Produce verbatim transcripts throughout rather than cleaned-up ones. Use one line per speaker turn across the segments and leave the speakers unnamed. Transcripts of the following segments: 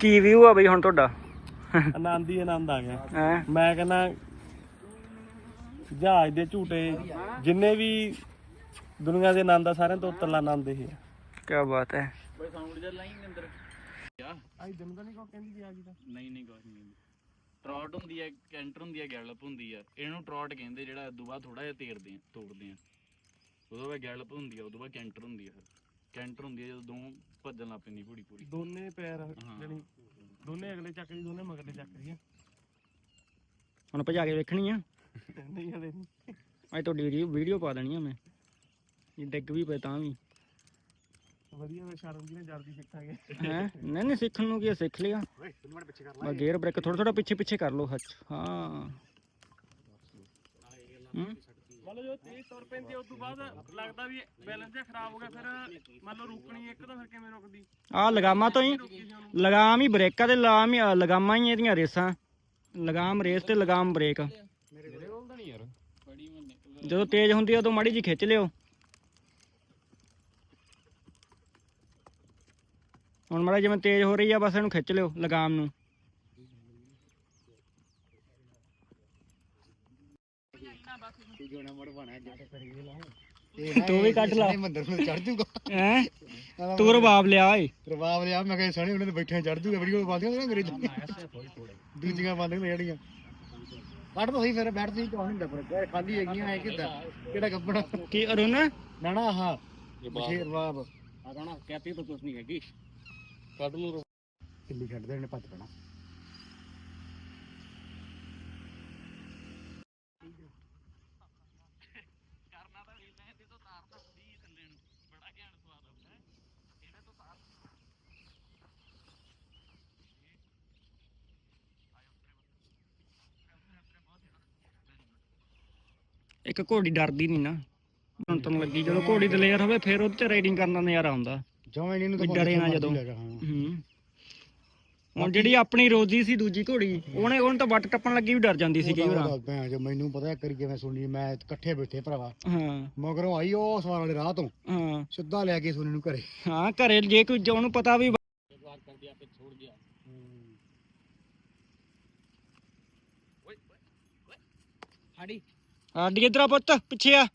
ਕੀ view ਆ ਬਈ ਹੁਣ ਤੁਹਾਡਾ?
ਆਨੰਦ ਹੀ ਆਨੰਦ ਆ ਗਿਆ।
ਹੈ
ਮੈਂ ਕਹਿੰਦਾ ਜਹਾਜ਼ ਦੇ ਝੂਟੇ ਜਿੰਨੇ ਵੀ ਦੁਨੀਆ ਦੇ ਆਨੰਦ ਆ ਸਾਰਿਆਂ ਤੋਂ ਉੱਤਲਾ ਆਨੰਦ ਇਹ ਆ।
ਕੀ ਬਾਤ ਹੈ।
ਬਈ ਸਾਊਂਡ ਜਿਹਾ ਲਾਈ ਅੰਦਰ
ਆਈ ਦਿਨ ਤਾਂ ਨਹੀਂ ਕੋ ਕਹਿੰਦੀ ਆ ਗਈ ਤਾਂ
ਨਹੀਂ ਨਹੀਂ ਕੁਛ ਨਹੀਂ। ਟਰੌਟ ਹੁੰਦੀ ਹੈ, ਕੈਂਟਰ ਹੁੰਦੀ ਹੈ, ਗੈਲਪ ਹੁੰਦੀ ਆ। ਇਹਨੂੰ ਟਰੌਟ ਕਹਿੰਦੇ ਜਿਹੜਾ ਉਦੋਂ ਬਾਅਦ ਥੋੜਾ ਜਿਹਾ ਤੇਰਦੇ ਆ ਤੋੜਦੇ ਆ। ਉਦੋਂ ਬਾਅਦ ਗੈਲਪ ਹੁੰਦੀ ਆ, ਉਦੋਂ ਬਾਅਦ ਕੈਂਟਰ ਹੁੰਦੀ ਆ। ਫਿਰ ਕੈਂਟਰ ਹੁੰਦੀ ਆ ਜਦੋਂ ਦੋ ਭੱਜਣ ਲੱਗ ਪੈਂਦੀ ਘੋੜੀ ਪੂਰੀ।
ਦੋਨੇ ਪੈਰ ਜਿਹੜੀ ਦੋਨੇ ਅਗਲੇ ਚੱਕ ਦੀ ਦੋਨੇ ਮਗਰਲੇ ਚੱਕ ਰਹੀ ਆ।
ਹੁਣ ਭਜਾ ਕੇ ਵੇਖਣੀ ਆ?
ਨਹੀਂ ਹਲੇ ਨਹੀਂ।
ਅੱਜ ਤੁਹਾਡੀ ਵੀਡੀਓ ਵੀਡੀਓ ਪਾ ਦੇਣੀ ਆ ਮੈਂ, ਜੇ ਡਿੱਗ ਵੀ ਪਏ ਤਾਂ ਵੀ
ਵਧੀਆ। ਮੈਂ ਸ਼ਰਮ ਜੀ ਨੇ ਜਲਦੀ ਸਿੱਖਾਂਗੇ।
ਹੈ ਨਹੀਂ ਨਹੀਂ ਸਿੱਖਣ ਨੂੰ ਕੀ ਆ, ਸਿੱਖ ਲਿਆ। ਬਸ ਗੇਅਰ ਬ੍ਰੇਕ ਥੋੜਾ ਥੋੜਾ ਪਿੱਛੇ ਪਿੱਛੇ ਕਰ ਲਓ। ਹੱਥ ਹਾਂ
ਮੰਨ ਲਓ ਜੋ ਤੇਜ਼ ਤੁਰ ਪੈਂਦੀ ਆ ਉਸ ਤੋਂ ਬਾਅਦ ਲੱਗਦਾ ਵੀ ਬੈਲੈਂਸ ਜਿਹਾ ਖਰਾਬ ਹੋ ਗਿਆ, ਫਿਰ ਮੰਨ ਲਓ ਰੁਕਣੀ ਇੱਕ ਤਾਂ ਫਿਰ ਕਿਵੇਂ ਰੁਕਦੀ?
ਆਹ ਲਗਾਮਾਂ ਤੋਂ ਹੀ ਲਗਾਮ ਹੀ ਬ੍ਰੇਕਾਂ ਤੇ ਲਗਾਮ ਹੀ ਲਗਾਮਾਂ ਹੀ ਇਹਦੀਆਂ ਰੇਸਾਂ। ਲਗਾਮ ਰੇਸ ਤੇ ਲਗਾਮ ਬ੍ਰੇਕ। ਜਦੋਂ ਤੇਜ਼ ਹੁੰਦੀ ਆ ਉਦੋਂ ਮਾੜੀ ਜੀ ਖਿੱਚ ਲਿਓ। ਹੁਣ ਮਾੜਾ ਜਿਵੇਂ ਤੇਜ਼ ਹੋ ਰਹੀ ਆ ਬਸ ਇਹਨੂੰ ਖਿੱਚ ਲਿਓ ਲਗਾਮ ਨੂੰ। ਤੂੰ ਵੀ ਕੱਢ ਲਾ
ਮੰਦਰ ਨੂੰ ਚੜ ਜੂਗਾ।
ਹੈ ਤੂੰ ਰਬਾਬ ਲਿਆ ਓਏ।
ਰਬਾਬ ਲਿਆ ਮੈਂ ਕਿਹਾ ਸਣੇ ਉਹਨਾਂ ਦੇ ਬੈਠੇ ਚੜ ਜੂਗਾ। ਵੀਡੀਓ ਬੰਦੀਆਂ ਨੇ ਅੰਗਰੇਜ਼ਾਂ ਦੂਜੀਆਂ ਬੰਦ ਨੇ ਜਿਹੜੀਆਂ ਕੱਢ ਤਾਂ ਸਹੀ। ਫਿਰ ਬੈਠ ਤੁਸੀਂ ਕੌਣ ਹੁੰਦਾ ਪਰ ਖਾਲੀ ਹੈਗੀਆਂ ਐ ਕਿੱਦਾਂ ਕਿਹੜਾ ਕੱਪੜਾ
ਕੀ ਅਰੁਣ
ਨਾ ਨਾ ਆਹ ਬਸ਼ੀਰ ਰਬਾਬ
ਆ ਕਹਣਾ ਕਹਤੀ ਤਾਂ ਕੁਛ ਨਹੀਂ ਹੈਗੀ।
ਕੱਢ ਲਓ
ਕਿੱਲੀ ਛੱਡਦੇ ਨੇ ਭੱਜ ਪੈਣਾ।
ਇੱਕ ਘੋੜੀ ਡਰਦੀ ਨਹੀਂ ਨਾ। ਹੁਣ ਤੈਨੂੰ ਲੱਗੀ ਜਦੋਂ ਘੋੜੀ ਦਲੇਰ ਹੋਵੇ ਫਿਰ ਉਹਦੇ ਚ ਰਾਈਡਿੰਗ ਕਰਨ ਦਾ ਨਜ਼ਾਰਾ ਆਉਂਦਾ।
ਜਮਾਂ ਇਹਨੂੰ
ਵੀ ਡਰੇ ਨਾ ਜਦੋਂ। ਹੂੰ ਹੁਣ ਜਿਹੜੀ ਆਪਣੀ ਰੋਜ਼ੀ ਸੀ ਦੂਜੀ ਘੋੜੀ ਉਹਨੇ ਉਹਨੂੰ ਤਾਂ ਵੱਟ ਟੱਪਣ ਲੱਗੀ ਵੀ ਡਰ ਜਾਂਦੀ ਸੀ ਕਈ ਵਾਰ।
ਭੈਣ ਜੋ ਮੈਨੂੰ ਪਤਾ ਕਰੀ ਕਿਵੇਂ ਸੁਣੀ ਮੈਂ ਇਕੱਠੇ ਬੈਠੇ ਭਰਾਵਾ
ਹਾਂ
ਮਗਰੋਂ ਆਈ ਉਹ ਸਵਾਰ ਵਾਲੇ ਰਾਹ ਤੋਂ
ਹਾਂ
ਸਿੱਧਾ ਲੈ ਕੇ ਸੁਣੀ ਨੂੰ ਘਰੇ।
ਹਾਂ ਘਰੇ ਜੇ ਕੋਈ ਉਹਨੂੰ ਪਤਾ ਵੀ ਆਡੀ ਇਧਰ ਪੁੱਤ ਪਿੱਛੇ ਆ।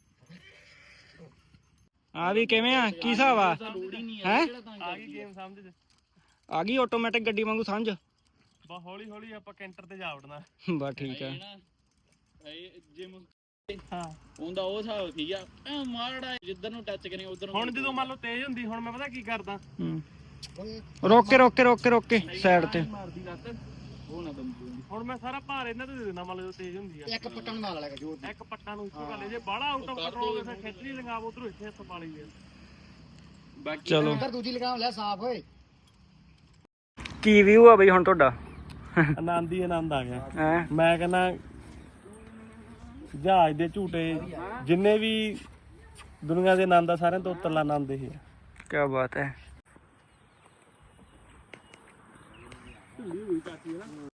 ਆ ਵੀ ਕਿਵੇਂ ਆ ਕੀ ਹਿਸਾਬ ਆ? ਹੈ
ਆ ਗਈ ਗੇਮ ਸਮਝ
ਆ ਗਈ ਆਟੋਮੈਟਿਕ ਗੱਡੀ ਵਾਂਗੂ ਸਮਝ।
ਬਸ ਹੌਲੀ ਹੌਲੀ ਆਪਾਂ ਕੈਂਟਰ ਤੇ ਜਾ ਵੜਨਾ।
ਬਸ ਠੀਕ ਆ।
ਜਿਮ
ਹਾਂ
ਹੁੰਦਾ ਉਹ ਹਿਸਾਬ ਠੀਕ ਆ। ਐ ਮਾੜਾ ਜਿੱਧਰ ਨੂੰ ਟੱਚ ਕਰੇ ਉਧਰ
ਹੁਣ ਜਦੋਂ ਮੰਨ ਲਓ ਤੇਜ਼ ਹੁੰਦੀ ਹੁਣ ਮੈਂ ਪਤਾ ਕੀ ਕਰਦਾ
ਹੂੰ ਰੋਕ ਕੇ ਰੋਕ ਕੇ ਰੋਕ ਕੇ ਰੋਕ ਕੇ ਸਾਈਡ ਤੇ।
ਮਾਰਦੀ ਲੱਤ
ਉਹ ਨਾ ਦਮ
ਹੁਣ ਮੈਂ ਸਾਰਾ ਭਾਰ ਇਹਨਾਂ ਤੇ ਦੇ ਦਿੰਦਾ ਮੰਨ ਲਓ ਤੇਜ਼ ਹੁੰਦੀ ਆ।
ਇੱਕ ਪੱਟਣ ਨਾਲ ਵਾਲਾ ਜੋ
ਇੱਕ ਪੱਟਾਂ ਨੂੰ ਇੱਕੋ ਗੱਲ ਜੇ ਬਾਹਲਾ ਆਊਟ ਆਫ ਕੰਟਰੋਲ ਫਿਰ ਖਿੱਚ ਨਹੀਂ ਲਗਾਵ ਉਧਰੋਂ ਇੱਥੇ ਹੱਥ ਪਾ ਲਈ।
ਬਾਕੀ
ਚਲੋ
ਉਧਰ ਦੂਜੀ ਲਗਾਮ ਲੈ ਸਾਫ ਓਏ।
ਕੀ ਵਿਊ ਆ ਬਈ ਹੁਣ ਤੁਹਾਡਾ?
ਆਨੰਦ ਹੀ ਆਨੰਦ ਆ ਗਿਆ।
ਹੈ
ਮੈਂ ਕਹਿੰਦਾ ਜਹਾਜ਼ ਦੇ ਝੂਟੇ ਜਿੰਨੇ ਵੀ ਦੁਨੀਆ ਦੇ ਆਨੰਦ ਆ ਸਾਰਿਆਂ ਤੋਂ ਉੱਤਲਾ ਆਨੰਦ ਇਹ ਆ।
ਕੀ ਬਾਤ ਹੈ।